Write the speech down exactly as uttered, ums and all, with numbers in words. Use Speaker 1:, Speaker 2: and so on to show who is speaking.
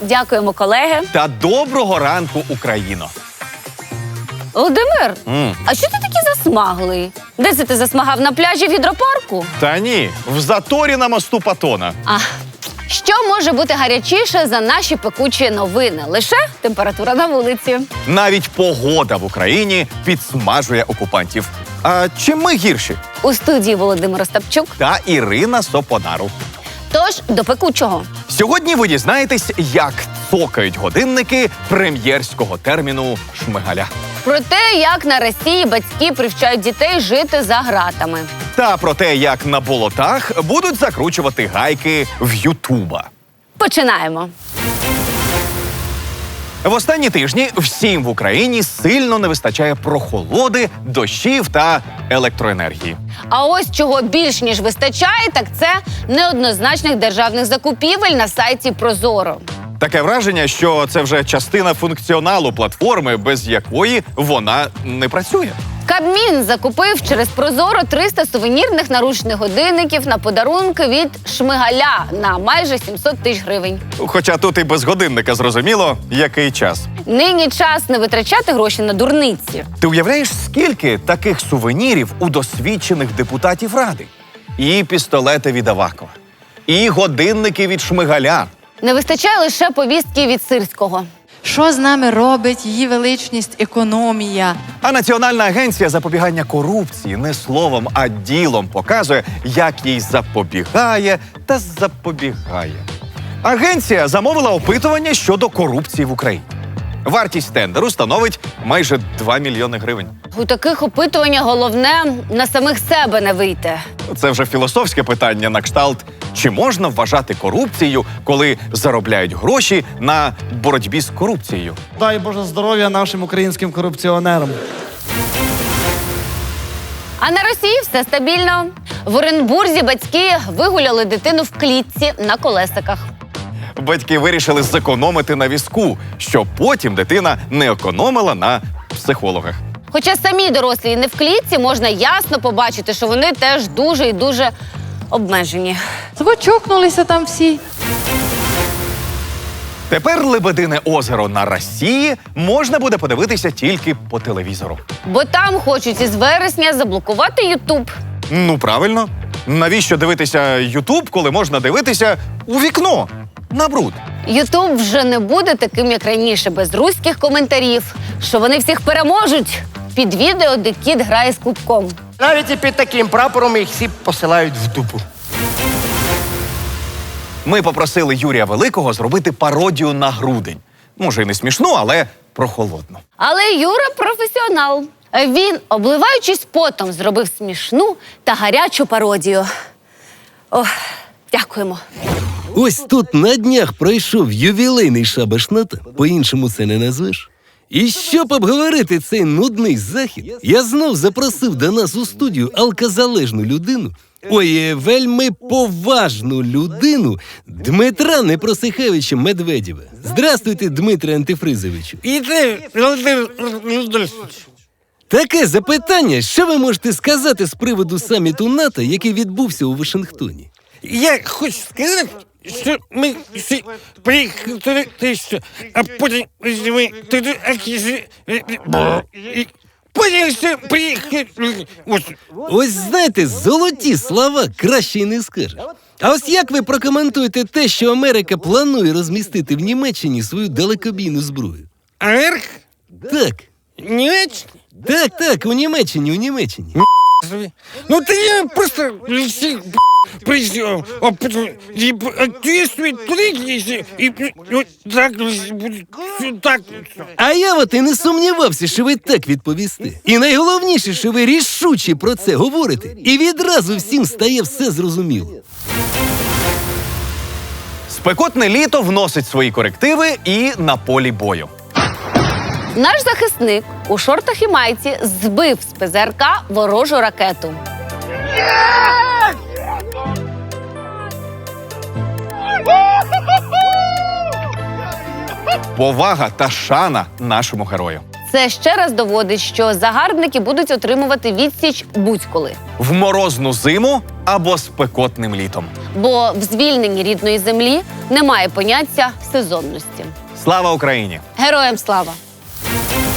Speaker 1: Дякуємо, колеги.
Speaker 2: Та доброго ранку, Україно!
Speaker 1: Володимир,
Speaker 2: М.
Speaker 1: а що ти такий засмаглий? Де це ти засмагав? На пляжі в гідропарку?
Speaker 2: Та ні, в заторі на мосту Патона.
Speaker 1: А що може бути гарячіше за наші пекучі новини? Лише температура на вулиці.
Speaker 2: Навіть погода в Україні підсмажує окупантів. А чим ми гірші?
Speaker 1: У студії Володимир Остапчук.
Speaker 2: Та Ірина Сопонару.
Speaker 1: Тож, до пекучого.
Speaker 2: Сьогодні ви дізнаєтесь, як цокають годинники прем'єрського терміну Шмигаля.
Speaker 1: Про те, як на Росії батьки привчають дітей жити за ґратами.
Speaker 2: Та про те, як на болотах будуть закручувати гайки в Ютуба.
Speaker 1: Починаємо.
Speaker 2: В останні тижні всім в Україні сильно не вистачає прохолоди, дощів та електроенергії.
Speaker 1: А ось чого більш ніж вистачає, так це неоднозначних державних закупівель на сайті Прозоро.
Speaker 2: Таке враження, що це вже частина функціоналу платформи, без якої вона не працює.
Speaker 1: Кабмін закупив через Прозоро триста сувенірних наручних годинників на подарунки від Шмигаля на майже сімсот тисяч гривень.
Speaker 2: Хоча тут і без годинника зрозуміло, який час.
Speaker 1: Нині час не витрачати гроші на дурниці.
Speaker 2: Ти уявляєш, скільки таких сувенірів у досвідчених депутатів Ради? І пістолети від Авакова, і годинники від Шмигаля.
Speaker 1: Не вистачає лише повістки від Сирського.
Speaker 3: Що з нами робить її величність економія?
Speaker 2: А Національна агенція запобігання корупції не словом, а ділом показує, як їй запобігає та запобігає. Агенція замовила опитування щодо корупції в Україні. Вартість тендеру становить майже два мільйони гривень.
Speaker 1: У таких опитуваннях головне на самих себе не вийти.
Speaker 2: Це вже філософське питання на кшталт, чи можна вважати корупцією, коли заробляють гроші на боротьбі з корупцією?
Speaker 4: Дай Боже здоров'я нашим українським корупціонерам.
Speaker 1: А на Росії все стабільно. В Оренбурзі батьки вигуляли дитину в клітці на колесиках.
Speaker 2: Батьки вирішили зекономити на візку, щоб потім дитина не економила на психологах.
Speaker 1: Хоча самі дорослі не в клітці, можна ясно побачити, що вони теж дуже і дуже обмежені.
Speaker 3: Звочокнулися там всі.
Speaker 2: Тепер Лебедине озеро на Росії можна буде подивитися тільки по телевізору.
Speaker 1: Бо там хочуть із вересня заблокувати Ютуб.
Speaker 2: Ну, правильно. Навіщо дивитися Ютуб, коли можна дивитися у вікно, на бруд?
Speaker 1: Ютуб вже не буде таким, як раніше, без руських коментарів, що вони всіх переможуть під відео, де кіт грає з клубком.
Speaker 5: Навіть і під таким прапором їх всі посилають в дупу.
Speaker 2: Ми попросили Юрія Великого зробити пародію на грудень. Може, і не смішну, але прохолодну.
Speaker 1: Але Юра професіонал. Він, обливаючись потом, зробив смішну та гарячу пародію. Ох, дякуємо.
Speaker 6: Ось тут на днях пройшов ювілейний шабаш НАТО, по-іншому це не назвеш. І щоб обговорити цей нудний захід, я знов запросив до нас у студію алкозалежну людину, ой, вельми поважну людину Дмитра Непросихевича Медведєва. Здрастуйте, Дмитре Антифризовичу.
Speaker 7: І ти, Володимир Володимирович.
Speaker 6: Таке запитання, що ви можете сказати з приводу саміту НАТО, який відбувся у Вашингтоні?
Speaker 7: Я хочу сказати, що ми всі приїхали туди, що, а потім ми туди, а кisi, і потім все приїхали. Ось.
Speaker 6: Ось знаєте, золоті слова краще й не скажеш. А ось як ви прокоментуєте те, що Америка планує розмістити в Німеччині свою далекобійну зброю?
Speaker 7: Америка?
Speaker 6: Так,
Speaker 7: Німеччина?
Speaker 6: так, так, у Німеччині, у Німеччині.
Speaker 7: Ну ти я просто всіх прийшов, а потім і ответствует туди, і так буде, так.
Speaker 6: А я от і не сумнівався, що ви так відповісте. І найголовніше, що ви рішуче про це говорите, і відразу всім стає все зрозуміло.
Speaker 2: Спекотне літо вносить свої корективи і на полі бою.
Speaker 1: Наш захисник у шортах і майці збив з ПЗРК ворожу ракету.
Speaker 2: Повага та шана нашому герою.
Speaker 1: Це ще раз доводить, що загарбники будуть отримувати відсіч будь-коли.
Speaker 2: В морозну зиму або спекотним літом.
Speaker 1: Бо в звільненні рідної землі немає поняття сезонності.
Speaker 2: Слава Україні!
Speaker 1: Героям слава!